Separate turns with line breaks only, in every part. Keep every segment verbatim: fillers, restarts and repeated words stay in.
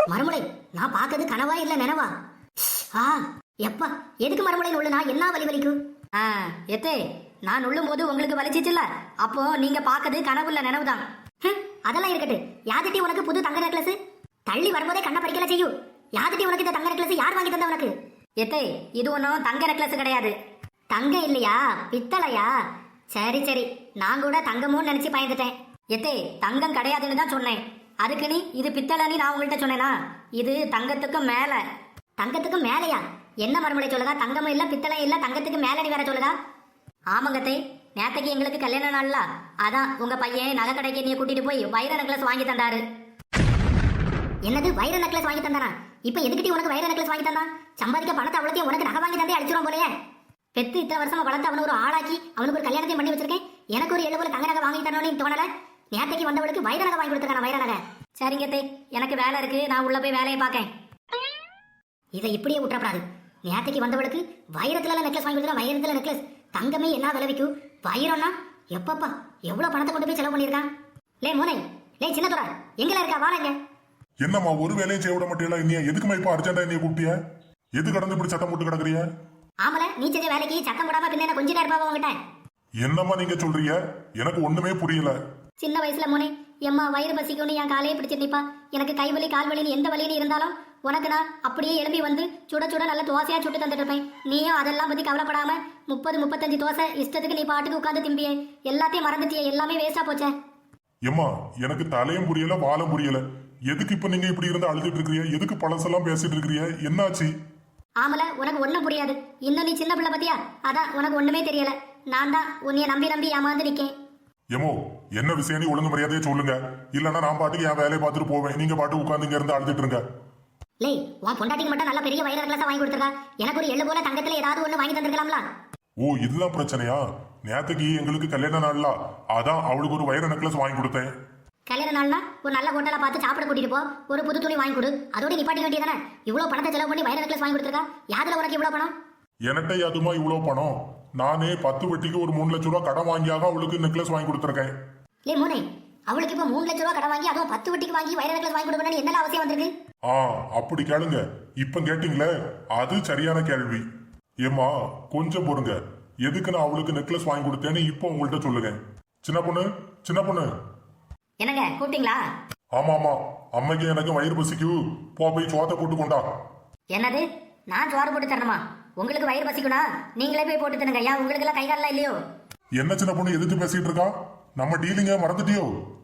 மறுமுறை நான் பார்க்கறது கனவா இல்ல நினைவா? ஆ எப்பா எதுக்கு மறுமுறை நுள்ளுனா என்ன வலி வலிக்கும்? ஆ எத்தே நான் நுள்ளும் போது உங்களுக்கு வலிச்சிச்சுல்ல, அப்போ நீங்க பார்க்கறது கனவுல நினைவுதான். அதெல்லாம் இருக்கட்டு. யாதிட்டி உனக்கு புது தங்க நெக்லஸ்? தள்ளி வரும்போதே கண்ணை பறிக்கல செய்யும். யாதிட்டி உனக்கு இந்த தங்க நெக்லஸ் யார் வாங்கி தந்தா உனக்கு? எத்தே இது ஒன்றும் தங்க நெக்லஸ் கிடையாது. தங்க இல்லையா, பித்தளையா? சரி சரி, நான் கூட தங்கமும் நினைச்சு பயந்துட்டேன். எத்தே தங்கம் கிடையாதுன்னு தான் சொன்னேன். அதுக்கு நீ இது பித்தளைன்னு நான் உங்கள்கிட்ட சொன்னேனா? இது தங்கத்துக்கு மேல. தங்கத்துக்கு மேலையா? என்ன மறுமொழி சொல்லுதா? தங்கமும் இல்ல பித்தளையும் இல்ல, தங்கத்துக்கு மேலடி வேற சொல்லுதா? ஆமாங்கத்தே, நேத்தைக்கு எங்களுக்கு கல்யாண நாள்ல அதான் உங்க பையன் நகை கடைக்கு நீ கூட்டிட்டு போய் வைர நெக்லஸ் வாங்கி தந்தாரு. என்னது வைர நெக்லஸ் வாங்கி தந்தானா? இப்ப எதுக்கிட்டி உனக்கு வைர நெக்லஸ் வாங்கி தந்தான்? சம்பாதிக்க பணத்தை அவ்வளோத்தையும் உனக்கு நகை வாங்கி தந்தே அடிச்சிடும் போலயே. பெத்து இத்தனை வருஷமா வளர்த்து அவனை ஒரு ஆளாக்கி அவனுக்கு ஒரு கல்யாணத்தையும் பண்ணி வச்சிருக்கேன். எனக்கு ஒரு எழுபது தங்க நகை வாங்கி தரணும்னு தோணல. நேத்தைக்கு வந்தவளுக்கு வைர நகை வாங்கி கொடுத்துருக்கான வைர நகை. சரிங்கத்தே, எனக்கு வேலை இருக்கு, நான் உள்ள போய் வேலையை பார்க்கேன். இதை இப்படியே விட்டுறப்படாது. நேத்தைக்கு வந்தவளுக்கு வைரத்துல நெக்லஸ் வாங்கி கொடுத்துருக்கா. வைரத்துல நெக்லஸ் தங்கமே என்ன விளைவிக்கும்? வைரம்னா எப்பப்பா எவ்வளவு பணத்தை கொண்டு போய் செலவு பண்ணிருக்கான். லே மோனை, லே சின்னதுரா, எங்கல இருக்கா? வாங்க.
என்னம்மா ஒரு வேலையும் செய்ய விட மாட்டீங்களா? நீ எதுக்குமா இப்ப அர்ஜென்டா நீ கூப்பிட்டிய? எது கடந்து இப்படி சத்தம் போட்டு கிடக்குறிய?
ஆமல, நீ செஞ்ச வேலைக்கு சத்தம் போடாம பின்ன கொஞ்ச நேரம் பாவா உங்ககிட்ட.
என்னம்மா நீங்க சொல்றீங்க? எனக்கு ஒண்ணுமே புரியல.
சின்ன வயசுல மோனே, எம்மா வயிறு பசிக்கும்னு என் காலையே பிடிச்சிட்டு நிப்பா. எனக்கு கை வலி கால் வலின்னு எந்த வலின்னு இருந்தாலும் உனக்கு நான் அப்படியே எழுப்பி வந்து சுட சுட நல்ல தோசையா சுட்டு தந்துட்டு இருப்பேன். நீயும் அதெல்லாம் பத்தி கவலைப்படாம முப்பது முப்பத்தஞ்சு தோசை இஷ்டத்துக்கு நீ பாட்டுக்கு உட்காந்து திம்பியே. எல்லாத்தையும் மறந்துட்டியே, எல்லாமே வேஸ்டா போச்சே.
எம்மா எனக்கு தலையும் புரியல வாலும் புரியல. எதுக்கு இப்ப நீங்க இப்படி இருந்து அழுதுட்டு இருக்கிறீங்க? எதுக்கு பழசெல்லாம் பேசிட்டு இருக்கிறீங்க? என்னாச்சு?
ஆமல, உனக்கு ஒண்ணும் புரியாது. இன்னும் நீ சின்ன பிள்ளை பத்தியா, அதான் உனக்கு ஒண்ணுமே தெரியல. நான் தான் உன்னைய நம்பி நம்பி ஏமாந்து நிக்கேன்.
எமோ என்ன விஷயம்? நீ ஒழுங்கு மரியாதையே சொல்லுங்க, இல்லன்னா நான் பாட்டுக்கு என் வேலையை பார்த்துட்டு போவேன். நீங்க பாட்டு உட்காந்து இங்க இருந்து அழுதுட்டு இருங்க.
லே, உன் பொண்டாட்டிக்கு மட்டும் நல்ல பெரிய வைர நெக்லஸா வாங்கி கொடுத்துருக்கா. எனக்கு ஒரு எள்ளு போல தங்கத்துல ஏதாவது ஒண்ணு வாங்கி தந்திருக்கலாம்ல.
ஓ இதுதான் பிரச்சனையா? நேத்துக்கு எங்களுக்கு கல்யாண நாள்ல அதான் அவளுக்கு ஒரு வைர நெக்லஸ் வாங்கி கொடுத்தேன்.
கல்யாண நாள்னா ஒரு நல்ல ஹோட்டலா பார்த்து சாப்பிட கூட்டிட்டு போ, ஒரு புது துணி வாங்கி கொடு. அதோட நிப்பாட்டி வேண்டியதானே? இவ்வளவு பணத்தை செலவு பண்ணி வைர நெக்லஸ் வாங்கி கொடுத்துருக்கா. யாதுல உனக்கு இவ்வளவு பணம்?
என்கிட்ட அதுமா இவ்வளவு பணம்? நானே பத்து வட்டிக்கு ஒரு மூணு லட்சம் ரூபாய் கடன் வாங்கியாக அவளுக்கு நெக்லஸ் வாங்கி கொடுத்துருக்கேன்.
லே மோனே, அவளுக்கு இப்ப மூணு லட்சம் ரூபாய் கடன் வாங்கி அதுவும் பத்து வட்டிக்கு வாங்கி வைர நெக்லஸ் வாங்கி கொடுக்கணும்னு என்ன அவசியம் வந்திருக்கு?
ஆ அப்படி கேளுங்க. இப்ப கேட்டீங்களே, அது சரியான கேள்வி. ஏமா கொஞ்சம் பொறுங்க. எதுக்கு நான் அவளுக்கு நெக்லஸ் வாங்கி கொடுத்தேன்னு இப்போ உங்கள்கிட்ட சொல்லுங்க. சின்ன பொண்ணு, சின்ன பொண்ணு.
என்னங்க கூப்பிட்டீங்களா?
ஆமா ஆமா, அம்மைக்கு எனக்கு வயிறு பசிக்கு, போ போய் சோத்தை போட்டு கொண்டா.
என்னது? நான் சோறு போட்டு தரணுமா? உங்களுக்கு வயிறு பசிக்குனா நீங்களே போய் போட்டு தருங்க. ஐயா, உங்களுக்கு எல்லாம் கை காலெல்லாம் இல்லையோ?
என்ன சின்ன பொண்ணு எதிர்த்து பேசிட்டு இருக்கா? நம்ம டீலிங்க மறந்துட்டியோ?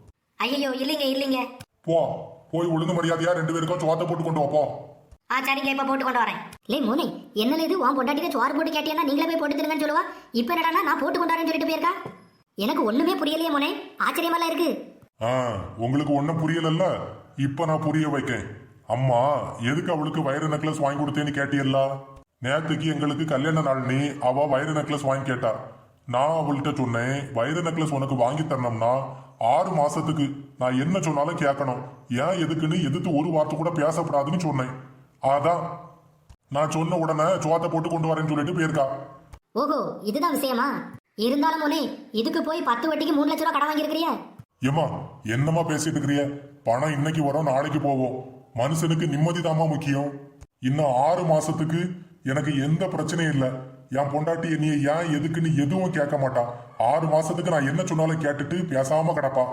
ஐயோ இல்லைங்க இல்லைங்க.
போ போய் ஒழுங்கு மரியாதையா ரெண்டு பேருக்கும் சோத்தை போட்டு கொண்டு வாப்போ.
ஆ சரிங்க, இப்ப போட்டு கொண்டு வரேன். லே மோனே, என்ன இது உன் பொண்டாட்டில சோறு போட்டு கேட்டியா? நீங்களே போய் போட்டு தருங்கன்னு சொல்லுவா. இப்ப என்னடா நான் போட்டு கொண்டு வரேன்னு சொல்லிட்டு போயிருக்கா. எனக்கு ஒண்ணுமே புரியலையே மோனே, ஆச்சரியமாலாம் இருக்கு.
ஆ உங்களுக்கு ஒன்னும் புரியலல்ல, இப்ப நான் புரிய வைக்கேன். அம்மா எதுக்கு அவளுக்கு வைர நெக்லஸ் வாங்கி கொடுத்தேன்னு கேட்டியல்ல? நேத்துக்கு எங்களுக்கு கல்யாண நாள் நீ அவ வைர நெக்லஸ் வாங்கி கேட்டா. நான் அவள்கிட்ட சொன்னேன், வைர நெக்லஸ் உனக்கு வாங்கி தரணும்னா ஆறு மாசத்துக்கு நான் என்ன சொன்னாலும் கேட்கணும். ஏன் எதுக்குன்னு எதிர்த்து ஒரு வார்த்தை கூட பேசப்படாதுன்னு சொன்னேன். அதான் நான் சொன்ன உடனே சோத்தை போட்டு கொண்டு வரேன்னு சொல்லிட்டு போயிருக்கா.
ஓஹோ இதுதான் விஷயமா? இருந்தாலும் மோனே, இதுக்கு போய் பத்து வட்டிக்கு மூணு லட்சம் ரூபாய் கடன் வாங்கியிருக்கிறியா?
ஏமா என்னமா பேசிட்டு இருக்கிறிய? பணம் இன்னைக்கு வரும் நாளைக்கு போவோம். மனுஷனுக்கு நிம்மதி தாமா முக்கியம். இன்னும் ஆறு மாசத்துக்கு எனக்கு எந்த பிரச்சனையும் இல்லை. என் பொண்டாட்டி நீ ஏன் எதுக்குன்னு எதுவும் கேட்க மாட்டா. ஆறு மாசத்துக்கு நான் என்ன சொன்னாலும் கேட்டுட்டு பேசாம கிடப்பா.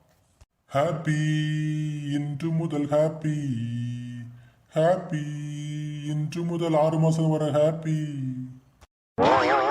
ஹாப்பி இன்று முதல் ஹாப்பி, ஹாப்பி இன்று முதல் ஆறு மாசம் வர ஹாப்பி.